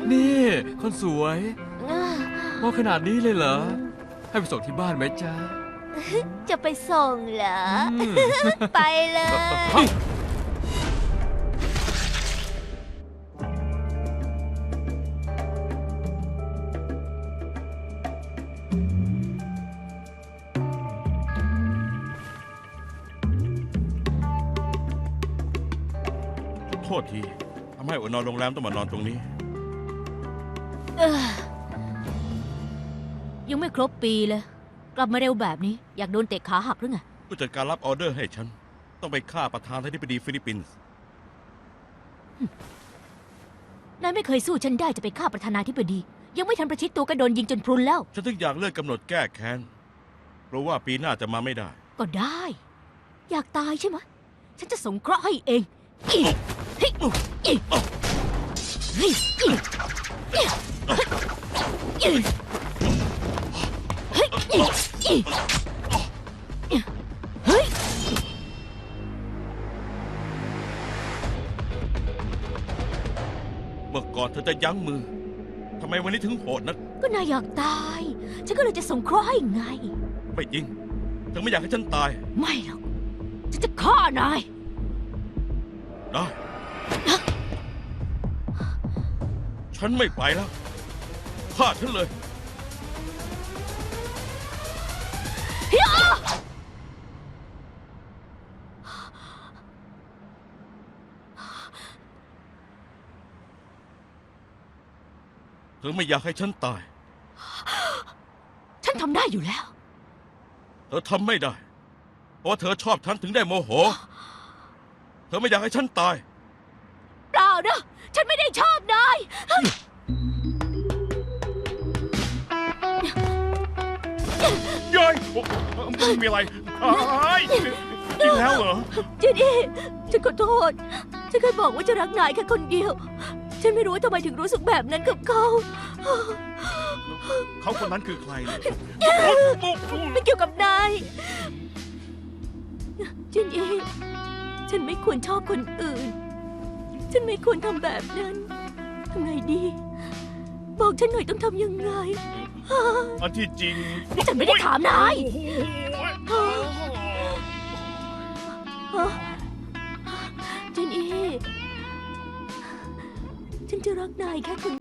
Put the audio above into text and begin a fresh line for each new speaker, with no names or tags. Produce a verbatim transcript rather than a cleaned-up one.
นี่คนสวยมองขนาดนี้เลยเหรอให้ไปส่งที่บ้านไหมจ๊ะ
จะไปส่งเหรอไปเลย
โทษทีทำให้อดนอนโรงแรมต้องมานอนตรงนี้
ยังไม่ครบปีเลยกลับมาเร็วแบบนี้อยากโดนเตะขาหักหรือไง
ผู้จัดการรับออเดอร์ให้ฉันต้องไปฆ่าประธานาธิบดีฟิลิปปินส์
นายไม่เคยสู้ฉันได้จะไปฆ่าประธานาธิบดียังไม่ทันประชิดตัวก็โดนยิงจนพรุนแล้ว
ฉันถึงอยากเลื่อนกำหนดแก้แค้นเพราะว่าปีหน้าจะมาไม่ได้
ก็ได้อยากตายใช่ไหมฉันจะสงเคราะห์ให้เองอีเฮ้ยอีเฮ้ยอีเฮ้ยอีเฮ้ย
เมื่อก่อนเธอจะยั้งมือทำไมวันนี้ถึงโหดนัก
ก็นายอยากตายฉันก็เลยจะสงเคราะห์ให้ไง
ไม่จริงเธอไม่อยากให้ฉันตาย
ไม่หรอกฉันจะฆ่านาย
ได้ฉันไม่ไปแล้วฆ่าฉันเลยเธอไม่อยากให้ฉันตาย
ฉันทำได้อยู่แล้ว
เธอทำไม่ได้เพราะเธอชอบฉันถึงได้โมโหเธอไม่อยากให้ฉันตาย
เปล่านะฉันไม่ได้ชอบนาย
ย้อยไม่มีอะไรกินแล้วเหรอ
เจนี่ฉันขอโทษฉันเคยบอกว่าจะรักนายแค่คนเดียวฉันไม่รู้ว่าทำไมถึงรู้สึกแบบนั้นกับเขา
เขาคนนั้นคือใคร
ไม่เกี่ยวกับนายเจนี่ฉันไม่ควรชอบคนอื่นฉันไม่ควรทำแบบนั้นทำไงดีบอกฉันหน่อยต้องทำยังไง
อันที่จริง
นี่ฉันไม่ได้ถามนายเจนี่ฉันจะรักนายแค่คน